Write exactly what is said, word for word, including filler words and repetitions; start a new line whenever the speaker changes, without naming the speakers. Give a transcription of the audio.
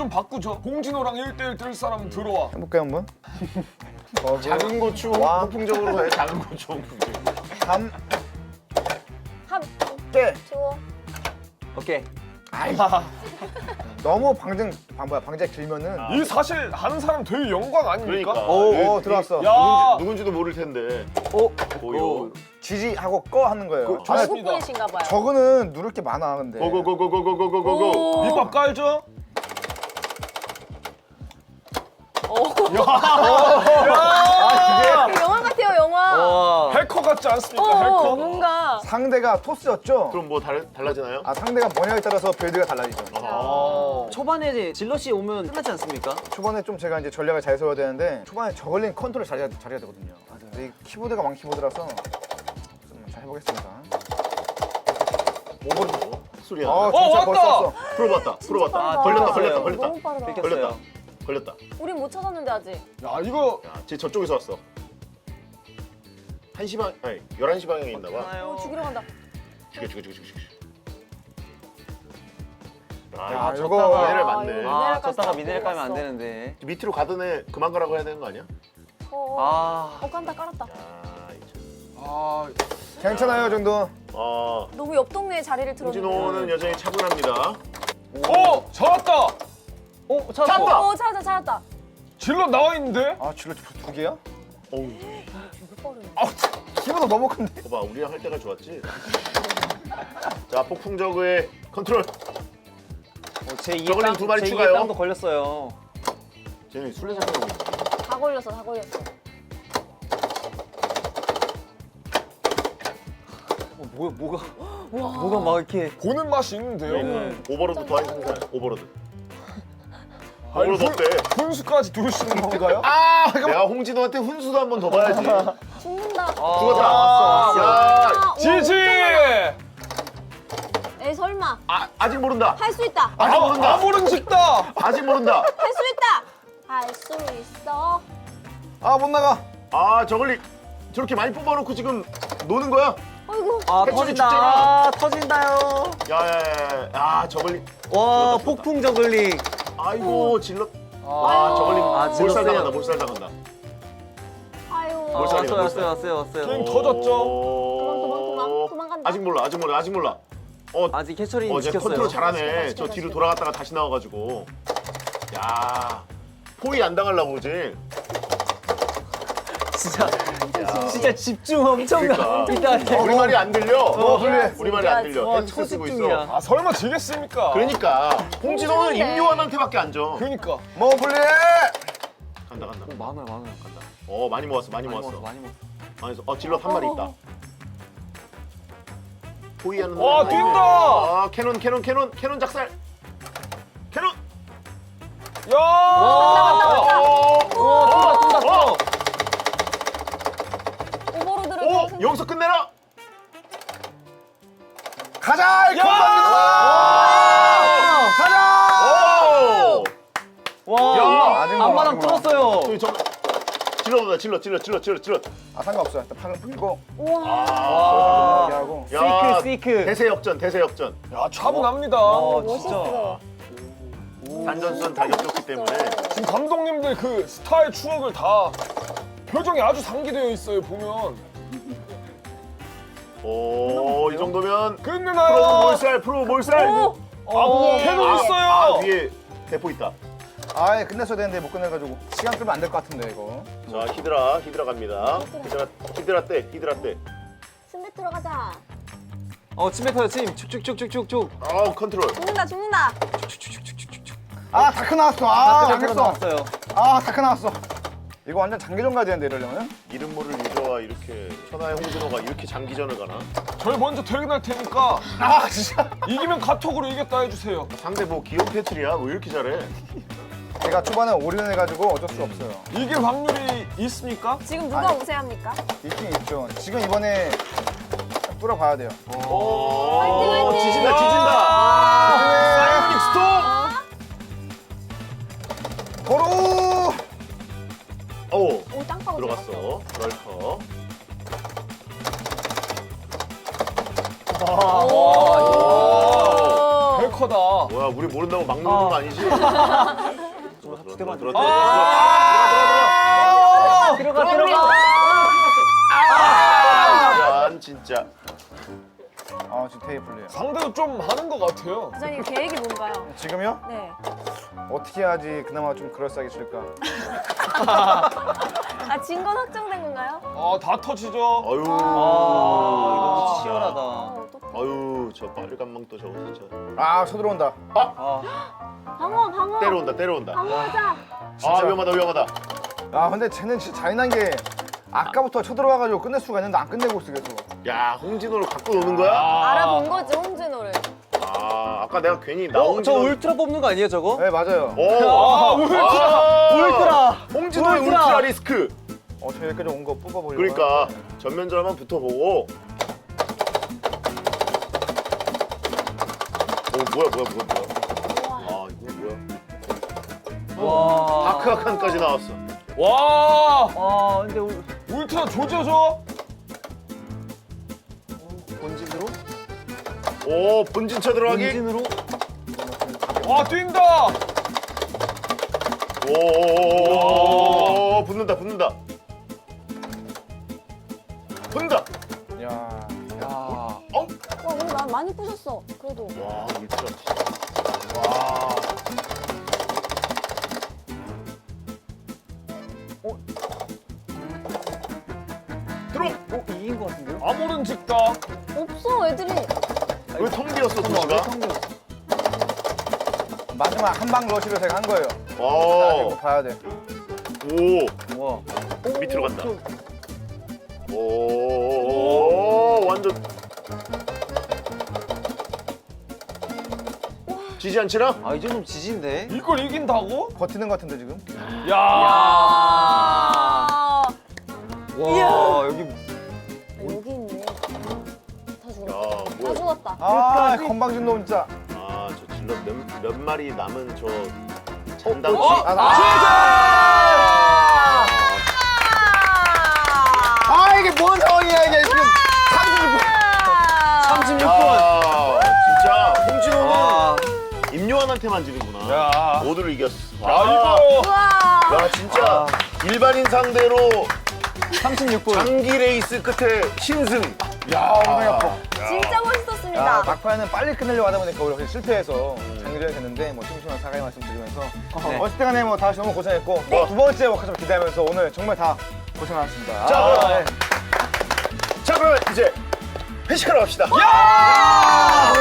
좀 바꾸죠. 홍진호랑 일 대일 뜰 사람 들어와.
해볼게요 한번.
작은 고추
와.
폭풍적으로 해. 작은 고추 폭풍적.
삼.
합.
깨.
주워.
오케이.
아이. 너무 방정 방 뭐야 방제 길면은.
이 사실 하는 사람 되게 영광 아닙니까?
그러니까.
오,
이-
오 들어왔어.
야,
누군지, 누군지도 모를 텐데.
오.
고요.
지지하고 꺼 하는 거예요.
그,
아,
좋습니다.
외국분이신가 봐요.
저거는 누를 게 많아 근데.
고고고고고고고고고.
오.
밑밥 깔죠?
아
그 영화 같아요, 영화.
와.
해커 같지 않습니까?
어,
해커.
뭔가.
이게 상대가 토스였죠.
그럼 뭐 달, 달라지나요?
아 상대가 뭐냐에 따라서 빌드가 달라지죠.
아.
초반에 이제 질럿이 오면 끝나지 않습니까?
초반에 좀 제가 이제 전략을 잘 세워야 되는데 초반에 저글링 컨트롤 잘해야, 잘해야 되거든요. 근데 이 키보드가 왕 키보드라서 좀 잘 해보겠습니다.
오버로 소리야.
아
어,
진짜
왔다!
벌써 왔어.
풀어봤다. 풀어봤다.
빠르다.
걸렸다.
걸렸어요.
걸렸다.
너무
걸렸다.
빠르다.
긁혔어요.
걸렸다. 걸렸다.
우린 못 찾았는데 아직.
야, 이거
야, 쟤 저쪽에서 왔어. 한 시 방, 아니 열한 시 방향에 있나 봐.
어, 죽이러 간다.
죽여, 죽여, 죽여, 죽여, 죽여.
야,
아,
이거-
졌다가 얘를
아,
맞네.
이거-
아,
미네랄까지
졌다가
다
미네랄 까면 안
뽑았어.
되는데.
밑으로 가던 애 그만 가라고 해야 되는 거 아니야?
어, 어.
아.
어, 깐다, 깔았다.
아, 이제.
아,
괜찮아요 이 정도.
어,
너무 옆 동네에 자리를 들었는데.
홍진호는 여전히 차분합니다.
어, 잡았다.
오, 찾았어.
찾았다!
어, 찾았다, 찾았다.
질러 나와 있는데?
아 질러 두 개야?
어우,
되게 빠르네.
키보드 너무 큰데.
봐봐, 우리랑 할 때가 좋았지. 자, 폭풍저그의 컨트롤.
어, 제 이에
저글링
땅,
두 마리
제
추가요.
이에 땅도 걸렸어요.
쟤네 술래잡기하고 있네.
다 걸렸어, 다 걸렸어.
어, 뭐야, 뭐가, 뭐가 막 이렇게.
보는 맛이 있는데요.
네.
오버로드 더하기 생산. 오버로드.
아니,
오버로드
분-
어때?
분수까지 두시는 건가요?
아, 내가 홍진호한테 훈수도 한 번 더 봐야지.
죽는다.
아,
죽었다.
왔어, 왔어.
야,
아,
지지!
에이, 설마.
아, 아직 모른다.
할 수 있다.
아직 모른다.
아무런 짓다.
아직 모른다.
할 수 있다. 할 수 있어.
아 못 나가.
아, 저걸리 저렇게 많이 뽑아놓고 지금 노는 거야?
아이고.
아,
해초리
터진다.
죽잖아.
아, 터진다요.
야, 야, 야, 야. 아, 저걸리.
와,
죽었다,
폭풍 저글링.
아이고, 질러.
아,
아, 저걸리
아,
몰살
질렀어요.
당한다. 몰살 당한다.
아유.
아,
몰살이네,
왔어요,
몰살.
왔어요, 왔어요, 왔어요.
게임 터졌죠?
도망, 도망, 도망. 도망간다.
아직 몰라, 아직 몰라, 아직 몰라. 어,
아직 해처리
어, 쟤
지켰어요.
컨트롤 잘하네.
지켜봐,
저
지켜봐,
뒤로
지켜봐.
돌아갔다가 다시 나와가지고. 야, 포위 안 당하려고 그지?
진짜, 진짜 집중 엄청
그러니까.
이따
우리 말이 안 들려.
어, 그래.
우리 말이 안 들려.
와,
헤드셋 쓰고 있어.
초집중이야.
아, 설마 지겠습니까?
그러니까 홍진호는
홍진호인데.
임요환한테밖에 안 져.
그러니까.
뭐 불리해.
간다, 간다.
오, 많아요, 많아요.
간다. 어, 많이 모았어, 많이
많이
모았어.
먹었어, 많이 먹었어.
많이 모았어. 어, 질럿 한 마리 있다. 포위하는.
와,
놈이
뛴다!
아, 캐논, 캐논, 캐논, 캐논 작살. 캐논.
야!
어,
와, 쏜다, 쏜다, 쏜다.
오버로드를
오,
바로 생각-
여기서 끝내라.
가자. 이
야!
가자.
오.
와,
야,
아직 몰라,
앞마당
아직 몰라.
뚫었어요.
저기 저 질러보다 질러, 질러, 질러, 질러, 질러.
아 상관없어. 일단 팔을 풀고
우와.
아,
이렇게 하고.
야,
스이크, 스이크.
대세 역전, 대세 역전.
야, 차분합니다.
어,
멋있어.
단전선 다 겹쳤기 때문에.
지금 감독님들 그 스타의 추억을 다 표정이 아주 상기되어 있어요, 보면.
오, 이 정도면 프로
끝내나요?
몰살, 프로 몰살.
오.
아, 캐논
아,
있어요.
아, 뒤에 대포 있다.
아예 끝냈어야 되는데 못 끝내가지고 시간 끌면 안 될 것 같은데 이거.
자, 히드라, 히드라 갑니다. 히드라, 히드라 때, 히드라 때.
침대 들어가자.
어, 침 뱉어요, 침. 축축축축축축.
아, 컨트롤.
죽는다, 죽는다.
아 다크 나왔어. 아
아,
안
크
됐어.
나왔어요.
아 다크 나왔어. 이거 완전 장기전 가야 되는데 이러려면.
이름 모를 유저와 이렇게 천하의 홍진호가 이렇게 장기전을 가나?
저희 먼저 퇴근할 테니까
아 진짜.
이기면 카톡으로 이겼다 해주세요.
상대 뭐 기욤 패틀이야? 왜 이렇게 잘해?
제가 초반에 올인해가지고 어쩔 수 없어요.
이길 확률이 있습니까?
지금 누가 우세합니까?
있긴 있죠. 지금 이번에 뚫어봐야 돼요.
오,
화이팅, 화이팅!
지진다, 지진다. 사이오닉 스톰.
도로.
오,
오, 땅파고
들어갔어. 럴커.
오.
벨커다. 강하다.
뭐야, 우리 모른다고 막 누르는
아.
거 아니지? 들어와, 들어와,
두
들어와,
대만
들어와, 들어와,
들어가 들어가.
들어와. 짠, 진짜.
아 지금 테이블이에요.
상대도 좀 하는 것 같아요.
부장님 계획이 뭔가요?
지금요?
네.
어떻게 해야지 그나마 좀 그럴싸하게 칠까?
아, 진 건 확정된 건가요?
아, 다 터지죠.
아유.
아 이거 치열하다.
어, 어떡해.
아유, 저 빨간 망토 저거 진짜.
아 쳐들어온다.
아
방어, 방어.
때려온다, 때려온다.
방어하자.
아, 위험하다, 위험하다.
아 근데 쟤는 진짜 잔인한 게 아까부터 쳐들어와가지고 끝낼 수가 있는데 안 끝내고 있어 계속.
야, 홍진호를 갖고 노는 거야?
알아본 거지, 홍진호를.
아, 아까 내가 괜히 나
어, 저
홍진호.
울트라 뽑는 거 아니에요 저거?
네 맞아요.
오,
아, 울트라.
울트라.
홍진호의
울트라.
울트라 리스크.
어 저 여기까지 온 거 뽑아보려고.
그러니까 전면전만 붙어보고. 오, 뭐야, 뭐야, 뭐야, 뭐야. 아, 이거 뭐야.
와.
다크아칸까지 나왔어.
와,
아 근데 울
울트라 조져줘.
본진으로?
오, 본진차 들어가기.
본진으로?
와, 뛴다.
오, 붙는다, 붙는다. 붙는다.
야.
야.
어?
와, 근데 나 많이 부셨어. 그래도.
와, 울트라. 와. 들어.
어 이긴 거 같은데요?
아무런 직다.
없어, 애들이.
왜 텅 비었어,
왜
도시가?
성공?
마지막 한 방 러시로 제가 한 거예요. 아,
와.
이거 봐야 돼.
오.
와.
밑으로 간다.
저-
오, 완전. 지지 않지나?
아 이 정도면 지진데?
이걸 이긴다고?
버티는 것 같은데 지금.
야.
아,
와 여기
여기 있네. 다
야,
죽었다. 다
뭐야.
죽었다.
아 건방진 놈 진짜.
아, 저 질럿 몇, 몇 마리 남은 저 잔당.
어?
아, 나-
아,
아 이게 뭔 상황이야 이게 지금.
삼십육 분.
야, 진짜 홍진호는
와.
임요한한테만 지는구나.
야.
모두를 이겼어.
야, 이거.
우와.
야, 진짜 일반인 상대로
삼십육 분.
장기 레이스 끝에 신승.
야 엉덩이 아파.
진짜 멋있었습니다.
야 막판에는 빨리 끝내려고 하다 보니까 우리가 실패해서 장기전이 됐는데 뭐 심심한 사과의 말씀드리면서
네.
어쨌든 간에 뭐 다시 너무 고생했고 뭐 두 번째 워크숍 기대하면서 오늘 정말 다 고생하셨습니다.
자,
아,
그럼.
네.
자, 그러면 이제 회식하러 갑시다.
야!